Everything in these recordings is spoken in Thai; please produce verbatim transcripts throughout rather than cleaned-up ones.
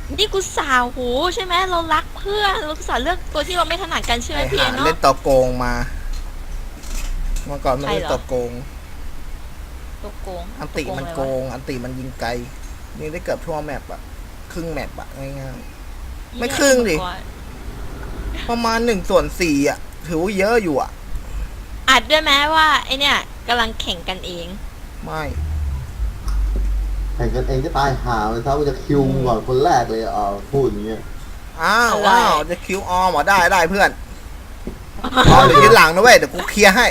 นี่กูสาวหูใช่ไหมเรารักเพื่อนเราสาวเลือกตัวที่เราไม่ถนัดกันใช่ไหมพี่เนาะเล่นตัวโกงมาเมื่อก่อนมันเล่นตัวโกงตัวโกงอันติมันโกงอันติมันยิงไกลยิงได้เกือบทั่วแมปอะครึ่งแมปอะง่ายๆไม่ครึ่งดิประมาณหนึ่งส่วนสี่อะถือว่าเยอะอยู่อะอัดด้วยไหมว่าไอเนี่ยกำลังแข่งกันเองไม่แข่งกันเองจะตายหาเลยถ้าว่าจะคิวก่อนคนแรกเลยอ่ะพูดอย่างเงี้ยอ้าวว้าวจะคิวออมเหรอได้ได้เพื่อนออมหรือยืนหลังนะเว้ยเดี๋ยวกูเคลียร์ให้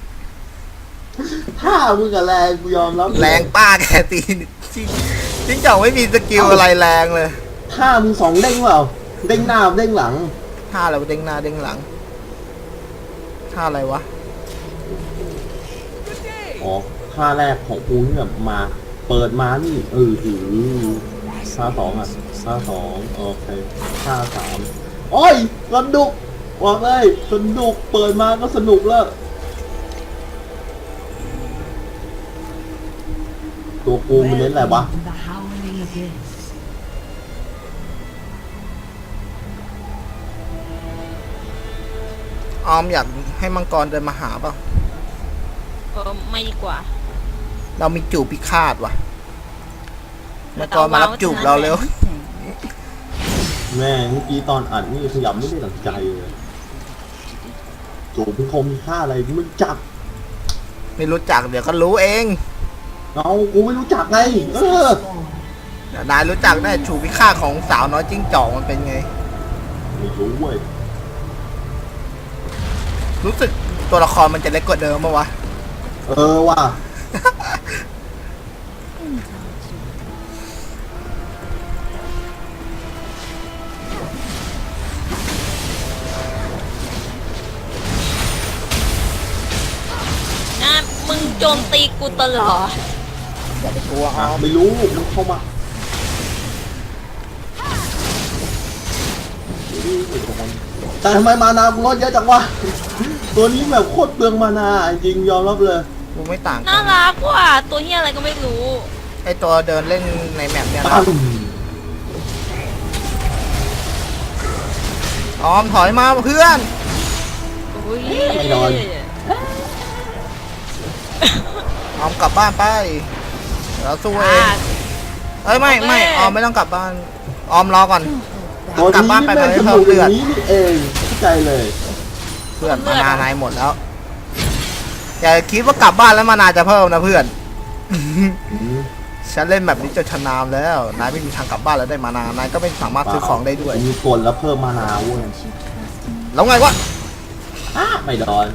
ถ้ามึงกับแรงกูยอมรับแรงป้าแกตีจริงจริงจ่องไม่มีสกิลอะไรแรงเลยถ้ามึงสองเด้งเปล่าเด้งหน้าเด้งหลังท่าอะไรเด้งหน้าเด้งหลังท่าอะไรวะอ๋อท่าแรกของกูเนี่ยมาเปิดมานี่เออถือท่าสองอ่ะท่าสองโอเคท่าสามโอ้ยสนุกว่าไงสนุกเปิดมาก็สนุกแล้วตัวกูมันเน้นอะไรวะออมอยากให้มังกรเดินมาหาเปล่าเออไม่ดีกว่าเรามีจูบพิฆาตว่ะมังกรมารับจูบเราเร็วแม่เมื่อกี้ตอนอัดนี่ขยับไม่ได้ตั้งใจเลยจูบพิคมมีค่าอะไรมึงจับไม่รู้จักเดี๋ยวก็รู้เองเอากูไม่รู้จักไงเออนายรู้จักได้จูบพิฆาตของสาวน้อยจิ้งจอกมันเป็นไงไม่รู้เว้ยรู้สึกตัวละครมันจะเล็กกว่าเดิมปะวะเออว่ะนะมึงโจมตีกูตลอดอย่าไปกลัวอ่ะไม่รู้มันเข้ามาแต่ทำไมมานาลดเยอะจังวะตัวนี้แบบโคตรเปลืองมานาจริงยอมรับเลยกูไม่ต่างน่ารักว่ะตัวเฮียอะไรก็ไม่รู้ไอตัวเดินเล่นในแมปเนี่ยนะออมถอยมาเพื่อนไม่นอนออมกลับบ้านไปเราสู้เองเอ้ยไม่ไม่ออมไม่ต้องกลับบ้านออมรอก่อนกลับบ้านไปเลยเพิ่มเลือดนี้เองเข้าใจเลยเพื่อนมานานายหมดแล้วอย่าคิดว่ากลับบ้านแล้วมานาจะเพิ่มนะเพื่อนฉันเล่นแบบนี้จนชำนาญแล้วนายไม่มีทางกลับบ้านแล้วได้มานานายก็ไม่สามารถซื้อของได้ด้วยมีกลแล้วเพิ่มมานาเว้ยแล้วไงวะไม่ดอน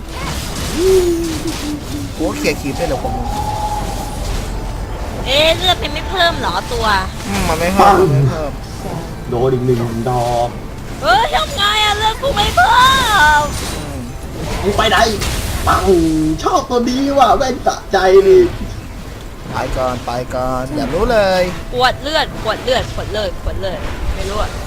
กูก็เขี่ยขีดได้เลยผมเอ๊ะเลือดเป็นไม่เพิ่มหรอตัวมันไม่เพิ่มไม่เพิ่มโดนอีกหนึ่งดอกเฮ้ยทำไงอะเลือดกูไม่เพิ่มมึงไปไหนปังชอบตัวนี้ว่ะแม่งสะใจดิไปก่อนไปก่อนอย่ารู้เลยปวดเลือดปวดเลือดปวดเลือดปวดเลือดไม่รู้อ่ะ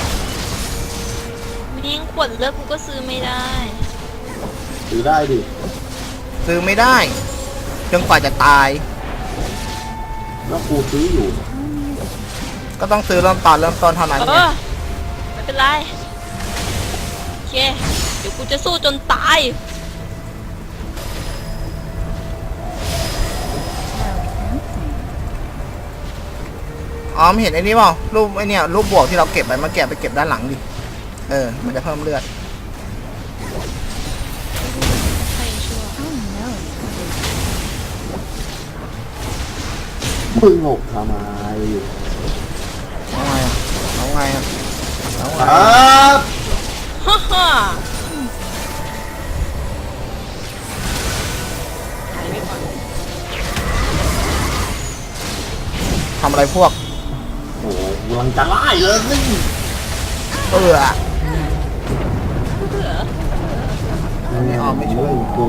ยิ่งปวดเลือดกูก็ซื้อไม่ได้ซื้อได้ดิซื้อไม่ได้จนกว่าจะตายแล้วกูซื้ออยู่ก็ต้องซื้อเริ่มตอนเริ่มต้นเท่านั้นเออไม่เป็นไรโอเคเดี๋ยวกูจะสู้จนตายอ๋อมเห็นไอ้นี่เปล่ารูปไอ้นี่รูปบวกที่เราเก็บไปมาเก็บไปเก็บด้านหลังดิเออมันจะเพิ่มเลือดมึงหลบทำไมเอาไงอ่ะเอาไงอ่ะเอาไงฮ่าฮ่าทำอะไรพวกโอ้กำลังจะไล่เลยนี่เออไม่ออกไม่ช่วยกู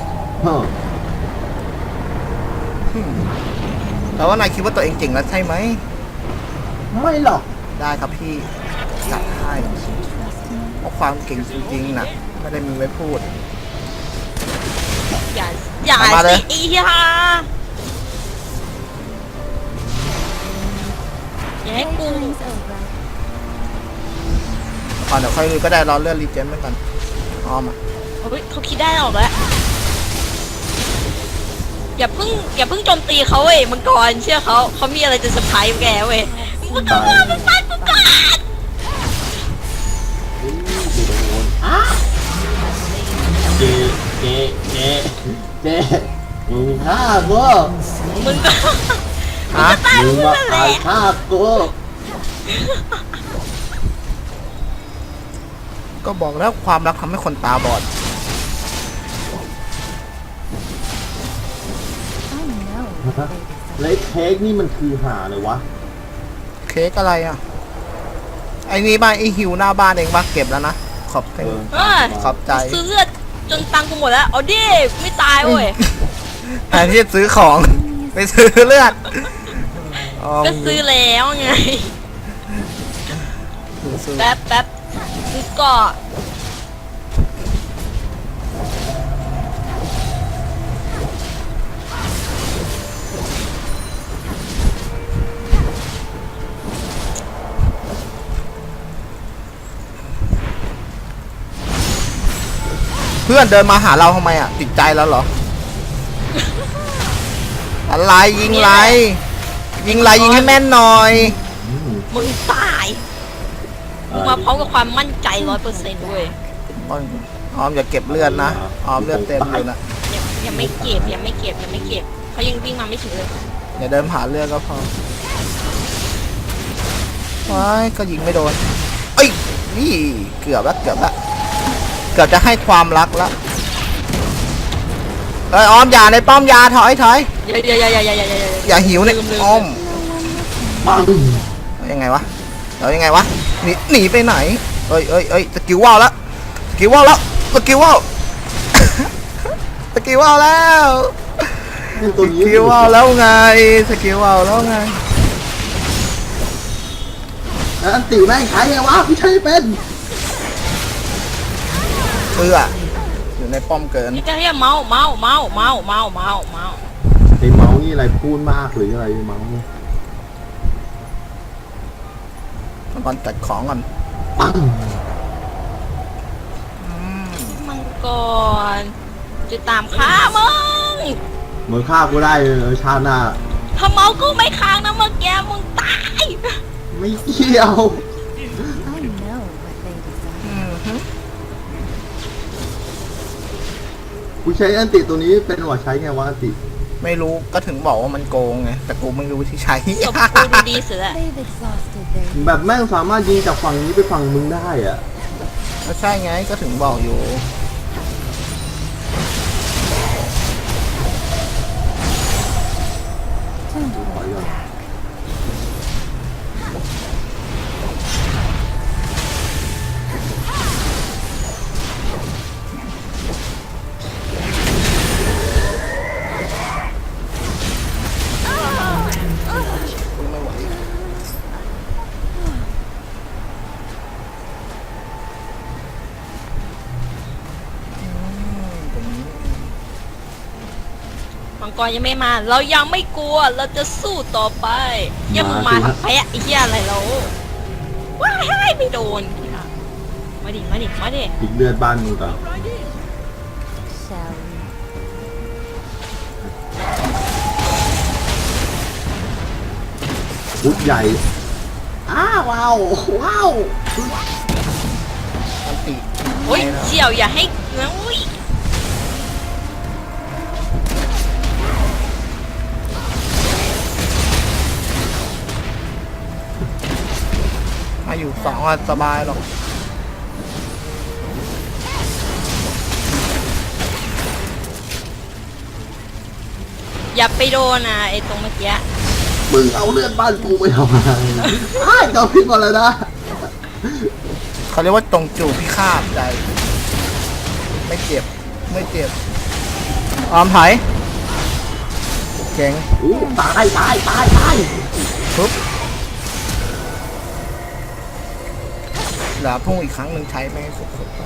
แต่ว่านายคิดว่าตัวเองเก่งแล้วใช่ไหมไม่หรอกได้ครับพี่จัดให้เพราะความเก่งจริงๆนะไม่ได้มีไว้พูดอย่าอย่าสิอีฮาอย่าให้กูอนเดี๋ยวค่อยดูก็ได้รอเลื่อนรีเจนไปก่อนออมอ่ะเฮ้ยเขาคิดได้ออกแล้วอย่าเพิ่งอย่าเพิ่งโจมตีเขาเว้ยมังกรเชื่อเขาเขามีอะไรจะเซอร์ไพรส์แกเว้ยมังกรมังกรมังกรอุ้ยดูโดนอ่ะเจเจเจเจมึงฆ่ากูมึงก็ฮะตายมึมึงงมานั่นแหตาละยฆ่ากูก็บอกแล้วความรักทำให้คนตาบอดแล้วไอ้เค้กนี่มันคือหาเลยวะเค้กอะไรอ่ะ ไอ้นี่บ้านไอ้หิวหน้าบ้านเองปะเก็บแล้วนะ ขอบใจเออเออขอบใจซื้อเลือดจนตังค์กูหมดแล้วเอาดิไม่ตายเว้ยแทนที่จะซื้อของ ไปซื้อเลือดอ๋อก็ซื้อแล้วไงซื้อแป๊บแป๊บซื้อก่อนเพื่อนเดินมาหาเราทำไมอ่ะ ติดใจแล้วเหรอ อะไรยิงไร ยิงไรยิงให้แม่นหน่อยอืมมึงตายมึงมาพร้อมกับความมั่นใจร้อยเปอร์เซ็นต์เว้ยออมอย่าเก็บเลือดนะออมเลือดเต็มอยู่นะยังยังไม่เก็บยังไม่เก็บยังไม่เก็บเขายังวิ่งมาไม่ถึงเลยอย่าเดินผ่านเลือดก็พอว้ายก็ยิงไม่โดนเอ้ยนี่เกือบแล้วเกือบแล้วเกือบจะให้ความรักแล้วเอ้ยออมอย่าในป้อมยาถอยถอยอย่าอย่าอย่าอย่าอย่าอย่าอย่าอย่าหิวเนี่ยลืมลืมออมปังยังไงวะเรายังไงวะหนีหนีไปไหนเอ้ยเอ้ยเอ้ยสกิลว่าวแล้วสกิลว่าวแล้วสกิลว่าว สกิลว่าวแล้วเป็นสตัวนี้กิลว่าวแล้วไงสกิลว่าวแล้วไงแล้วอันติแม่งใช้ไงวะพี่ใช้ไม่เป็นเพื่ออยู่ในป้อมเกินนี่ก็เรียกเมาส์เมาส์เมาส์เมาส์เมาส์เมาส์เมาส์ไอ้เมาส์นี่อะไรพูดมากหรืออะไรเมาส์เนี่ยก่อนจัดของก่อนปังมังกรจะตามฆ่ามึงมึงฆ่ากูได้เลยชาติหน้าถ้าเมาส์กูไม่ค้างนะเมื่อกี้มึงตายไม่เกี่ยว I know what they desire. อืมฮึกูใช้อันติตัวนี้เป็นหัวใช้ไงวะอันติไม่รู้ก็ถึงบอกว่ามันโกงไงแต่กูไม่รู้ที่ใช้จบกูดูดีเสือ They've exhausted their แบบแม่งสามารถยิงจากฝั่งนี้ไปฝั่งมึงได้อะก็ใช่ไงก็ถึงบอกอยู่ time to ถอยก่อนกูไม่ไหวอืมตรงนี้มังกรยังไม่มา เรายังไม่กลัวเราจะสู้ต่อไปอย่ามึงมาทำแพะไอ้เหี้ยอะไรเราว้ายไม่โดนมาดิมาดิมาดิอีกเลือดบ้านมึงก่อน shall we? พุดใหญ่อ้าวว้าวว้าวอันติโอ้ยเสี่ยวอย่าให้นะอุ้ยมาอยู่สองวันสบายหรอกอย่าไปโดนนะไอ้ตรงเมื่อกี้มึงเอาเลือดบ้านกูไปทำไมอ้ายเจ้าพิษก่อนเลยนะเขาเรียกว่าตรงจู่พิฆาตใจ ไม่เจ็บ ไม่เจ็บ ออมถอยเจ๋งอู้ตายตายตายตายปุ๊บเหลือพุ่งอีกครั้งหนึ่งใช้ไม่ให้สุดๆไป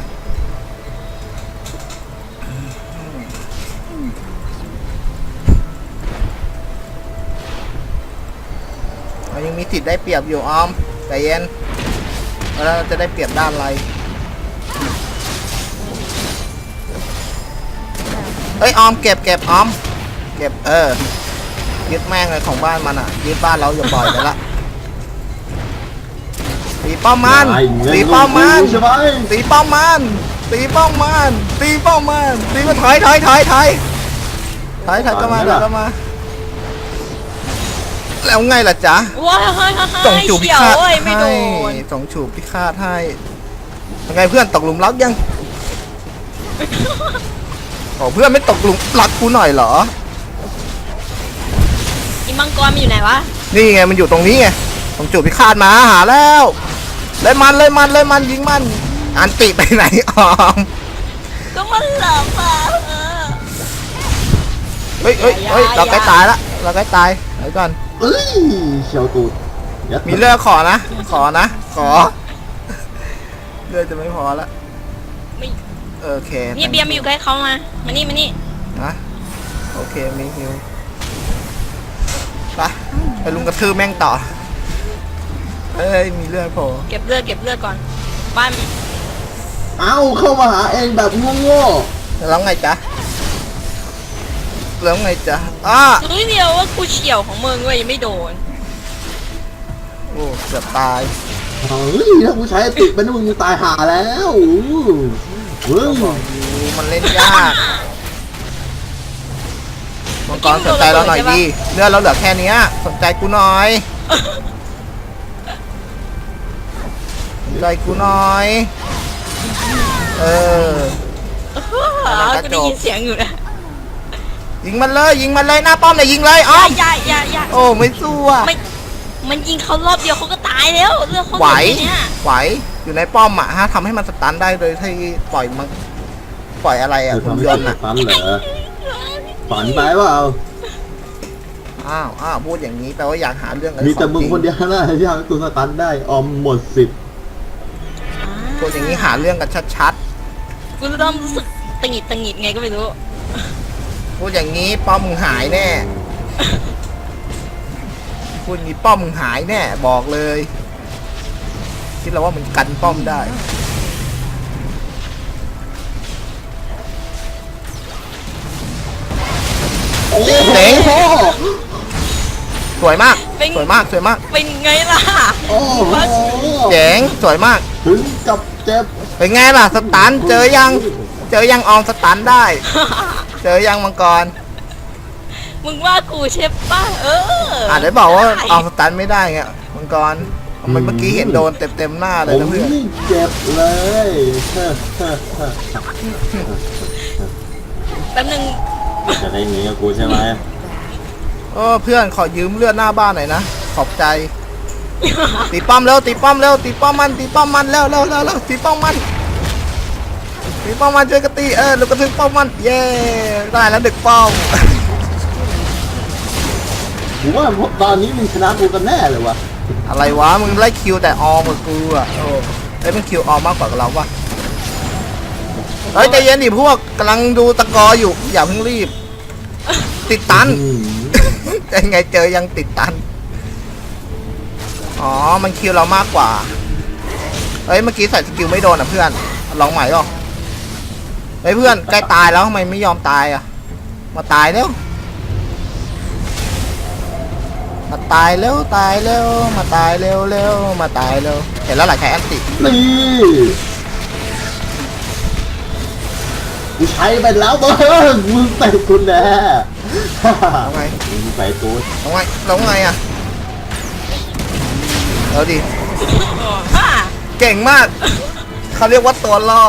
เรายังมีสิทธิ์ได้เปรียบอยู่ออมใจเย็นแล้วจะได้เปรียบด้านอะไรเอ้ยออมเก็บเก็บออมเก็บเออยึดแม่งเลยของบ้านมันอ่ะยึดบ้านเราอย่าปล่อยไปละตีป้อมมันตีป้อมมันใช่ไหมตีป้อมมันตีป้อมมันตีป้อมมันตีมาถอยถอยถอยถอยถอยถอยก็มาถอยก็มาแล้วไงล่ะจ๊ะว้ายเฮ้ยเฮ้ยส่งจูบพิเฉียวฆาตเอ้ยไม่โดให้นส่งจูบพิฆาตให้ยังไงเพื่อนตกหลุมรักยังโอ้เพื่อนไม่ตกหลุมรักกูหน่อยเหรออีมังกรมันอยู่ไหนวะนี่ไงมันอยู่ตรงนี้ไงส่งจูบพิฆาตมาหาแล้วเลยมันเลยมันเลยมันยิงมันอันติไปไหนออมก็มันหลับอ่ะเออเฮ้ยเฮ้ยเฮ้ยเราใกล้ตายละเราใกล้ตายเดี๋ยวก่อนเอ้ยเชียวตูดยัดมีเลือดขอนะ ขอนะ ขอ เลือดจะไม่พอละไม่โอเคนี่เบียร์มาอยู่ใกล้เขามามานี่มานี่นะโอเคมีฮิวไปไปลุงกระทืบแม่งต่อเอ้ยมีเลือดโผล่เก็บเลือดเก็บเลือดก่อนบ้านเอ้าเข้ามาหาเองแบบโง่แล้วไงจ๊ะแล้วไงจ๊ะอ้าเฮ้ยเดียวว่ากูเฉียวของมึงเว้ยยังไม่โดนโอ้เกือบตายๆเฮ้ยถ้ากูใช้ติดเป็นมึงตายหาแล้วเว้ยบอกอยู่มันเล่นยากมังกรสนใจเราหน่อยดีเลือดเราเหลือแค่เนี้ยสนใจกูหน่อยสนใจกูหน่อย เออกูได้ยินเสียงอยู่นะยิงมันเลยยิงมันเลยหน้าป้อมเลยยิงเลยอ้อมอย่าอย่าอย่าโอ้ไม่สู้อ่ะไม่มันยิงเขารอบเดียวเขาก็ตายแล้วเรื่องเขาไหวแค่เนี้ยไหวอยู่ในป้อมอ่ะฮะทำให้มันสตันได้โดยที่ปล่อยมันปล่อยอะไรอ่ะจะหุ่นทำให้ยตันต์วอ่ะตันเหรอฝันไปเปล่าอ้าวอ้าวพูดอย่างนี้แปลว่าอยากหาเรื่องอะไรมีแต่มึงขอคนจริเดียวนะที่ทำให้ตัวสตันได้ออมหมดสิบพูดอย่างนี้หาเรื่องกันชัดกูเริ่มรู้สึกตังหงิดตังหงิดไงก็ไม่รู้ๆพูดอย่างนี้ป้อมมึงหายแน่พูดอย่างนี้ป้อมมึงหายแน่บอกเลยคิดแล้วว่ามึงกันป้อมได้โอ้โหเจ๋ง สวยมากสวยมากสวยมากเป็นไงล่ะโอ้โหเจ๋งสวยมากถึงกับเจ็บเป็นไงล่ะสตันเจอยัง เจอยังออมสตันได้ เจอยังมังกรมึงว่ากูใช่ป่ะเอออ่าได้บอกว่าออมสตันไม่ได้ไงมังกรทำไมเมื่อกี้เห็นโดนเต็มเต็มๆหน้าเลยผมนะเพื่อนนี่เจ็บเลยเฮ้อเฮ้อเฮ้อแป๊บนึงจะได้หนีกับกูใช่ไหมเออเพื่อนขอยืมเลือดหน้าบ้านหน่อยนะขอบใจ ตีป้อมเร็วตีป้อมเร็วตีป้อมมันตีป้อมมันเร็วเร็วเร็วเร็วตีป้อมมันตีป้อมมันช่วยกันตีเออลูกกระทึกป้อมมันเย้ได้แล้วดึกป้อมผมว่าตอนนี้มึงชนะกูกันแน่เลยวะอะไรวะมึงไล่คิวแต่ออมกับกูอ่ะโอ้ไอ้ยมึงคิวออมมากกว่าเราวะเฮ้ยใจเย็นดิพวกกำลังดูตะกออยู่อย่าเพิ่งรีบ ติดตันอืมยังไงเจอยังติดตันอ๋อมันคิวเรามากกว่าเฮ้ยเมื่อกี้ใส่สกิลไม่โดนอ่ะเพื่อนลองใหม่หรอเฮ้ยเพื่อนใกล้ตายแล้วทำไมไม่ยอมตายอ่ะมาตายเร็วมาตายเร็วตายเร็วมาตายเร็วเร็วมาตายเร็วเห็นแล้วหลายใช้แอนตินี่กูใช้ไปแล้วเบิร์มึงใส่กูแน่เอาไงมึงใส่กูเอาไงเราไงอ่ะเอาดิฮ่าเก่งมากเขาเรียกว่าตัวล่อ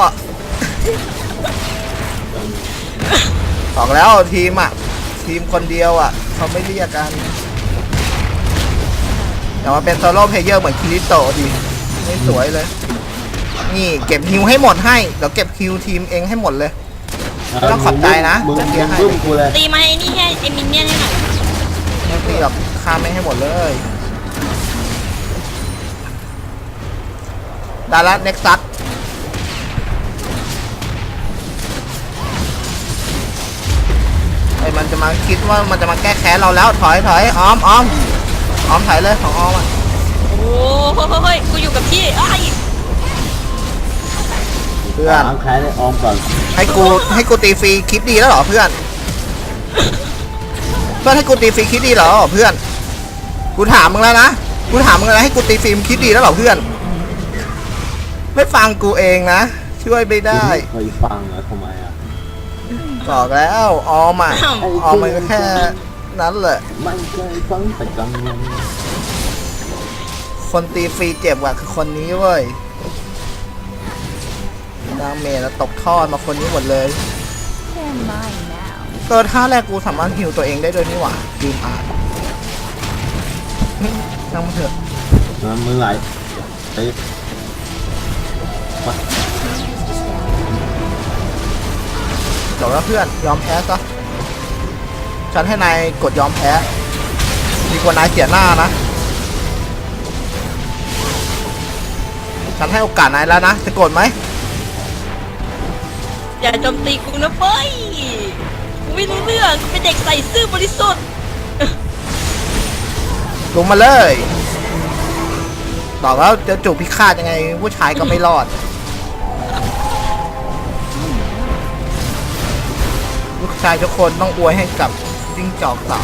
บอกแล้วทีมอ่ะทีมคนเดียวอ่ะเขาไม่เรียกกันแต่ว่าเป็นโซโล่เพลเยอร์เหมือนคิริโตะดิไม่สวยเลย นี่เก็บฮิวให้หมดให้เดี๋ยวเก็บคิวทีมเองให้หมดเลย ไม่ต้องขอบใจนะมึงจะเคลียร์ให้มึงกูเลยตีมาไอ้นี่ให้ไอ้มินเนี่ยนให้หน่อยไม่ตีหรอกฆ่าไม่งให้หมดเลยได้ละเน็กซัสไอ้มันจะมาคิดว่ามันจะมาแก้แค้นเราแล้วถอยถอยออมออมออมถอยเลยของออมอ่ะโอ้โหเฮ้ยกูอยู่กับพี่ไอ้ยพื่อนล้างแค้นให้ออมก่อนให้กูให้กูตีฟรีคลิปดีแล้วเหรอเพื่อนเพื่อนให้กูตีฟรีคลิปดีเหรอเพื่อนกูถามมึงแล้วนะกูถามมึงแล้วให้กูตีฟรีคลิปดีแล้วเหรอเพื่อนไม่ฟังกูเองนะช่วยไม่ได้เคยฟังเหรอทำไมอ่ะบอกแล้วออมอ่ะออมมันก็แค่นั้นแหละไม่เคยฟังแต่กังวลคนตีฟรีเจ็บกว่าคือคนนี้เว้ยดาเมจแล้วตกทอดมาคนนี้หมดเลย They're mine now. เกิดท่าแรกกูสามารถฮิวตัวเองได้ด้วยนี่หว่าลืมอ่านช่างมันเถอะนะมือไหลไปไปจบแล้วเพื่อนยอมแพ้ซะฉันให้นายกดยอมแพ้ดีกว่านายเสียหน้านะฉันให้โอกาสนายแล้วนะจะกดไหมอย่าโจมตีกูนะเฟ้ยกูไม่รู้เรื่องกูเป็นเด็กใส่ซื่อบริสุทธิ์ลงมาเลยบอกแล้วจะจูบพิฆาตยังไงผู้ชายก็ไม่รอดลูกชายทุกคนต้องอวยให้กับจิ้งจอกสาว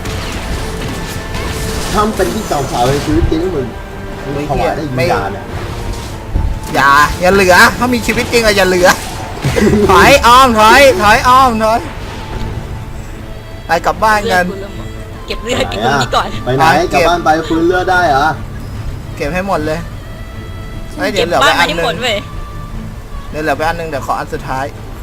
ทำเป็นที่เจ้าสาวในชีวิตจริงมึงมึงถวายได้ยินยาเนี่ยอย่าอย่าเหลือถ้ามีชีวิตจริงอะอย่าเหลือ ถอยอ้อมถอยถอยอ้อมถอยไปกลับบ้านกันเก็บเลือดเก็บตรงนี้ก่อนไปไหนกลับบ้านไปฟื้นเลือดได้เหรอเก็บให้หมดเลยเฮ้ยเดี๋เก็ยบวเหลือบ้าไปนอัมาน ให้หนึหมงดเว้ยเดี๋ยวเหลือไปอันหนึงเดี๋ยวขออันสุดท้าย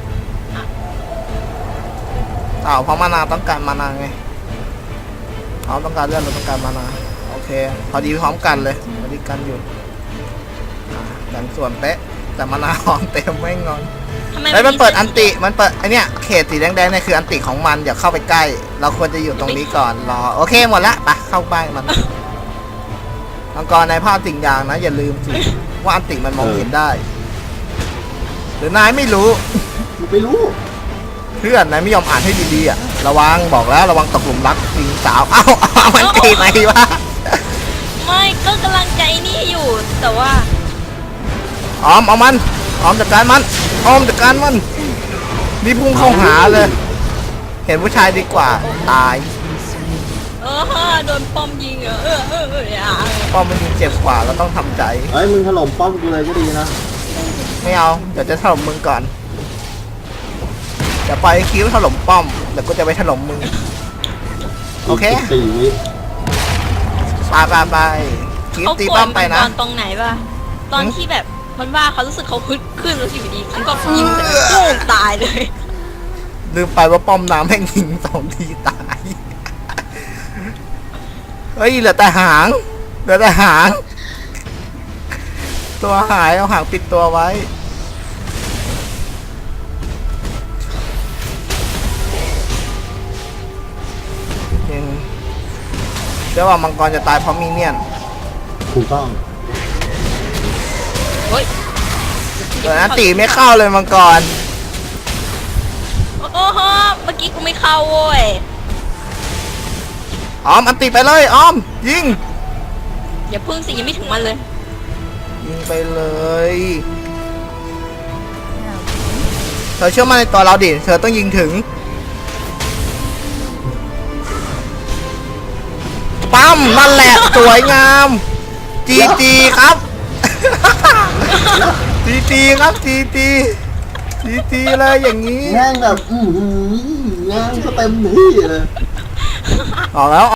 อ้าวเพราะมานาต้องการมานาไงเขาต้องการเลื่อนเราต้องการมานาโอเคพอดีพร้อมกันเลยพอดีกันอยู่อ่ะกันส่วนเป๊ะแต่มานาหอมเต็มไม่งอนทำไมเฮ้ยมันเปิดอันติ มันเปิดไอเนี้ยเขตสีแดงๆเนี่ยคืออันติของมันอย่าเข้าไปใกล้ เราควรจะอยู่ตรงนี้ก่อนรอโอเคหมดละไปเข้าบ้านมันมังกรในภาพสิ่งอย่างนะ อย่าลืมสิว่าอันติมันมองเห็นได้ หรือนายไม่รู้กูไม่รู้เพื่อนนายไม่ยอมอ่านให้ดีๆอ่ะระวังบอกแล้วระวังตกหลุมรักหญิงสาวเอ้าเอามันตีไหมวะไม่ก็กำลังใจนี่อยู่แต่ว่าออมเอามันออมจัดการมันออมจัดการมันนี่พุ่งเข้าหาเลย เห็นผู้ชายดีกว่าตายเออโดนป้อมยิงเหรอเออเออเอออย่าป้อมมันยิงเจ็บกว่าเราต้องทำใจเฮ้ยมึงถล่มป้อมกูเลยก็ดีนะไม่เอา เดี๋ยวจะถล่มมึงก่อน เดี๋ยวปล่อยให้คิ้วถล่มป้อม เดี๋ยวกูจะไปถล่มมึง โอเคสิบสี่วิไปไปไปคิ้วเขาตีโกรป้อธมมัไปนตนะอนตรงไหนปะตอนที่แบบมันว่าเขารู้สึกเขาขึ้นขึ้นแล้วอยู่ดีเขาก็ยิงแต่โป้งตายเลยลืมไปว่าป้อมน้ำแม่งยิงสองทีตาย เฮ้ยเหลือแต่หาง เหลือแต่หาง ตัวหายเอาหางปิดตัวไว้ ยังเชื่อว่ามังกรจะตายเพราะมีเนี่ยนถูกต้องเฮ้ยเอออันตีไม่เข้าเลยมังกรโอ้โหเมื่อกี้กูไม่เข้าโว้ยออมอันตีไปเลยออม ยิงอย่าพึ่งสิยังไม่ถึงมันเลยยิงไปเลย Now, เธอเชื่อมั่นในตัวเราดิ เธอต้องยิงถึง ปั๊มนั่นแหละ สวยงาม จีจีครับ จีจีครับจีจีจีจีเลยอย่างนี้แง่งแบบ อือหือแง่งก็เต็มที่เลยออกแล้ว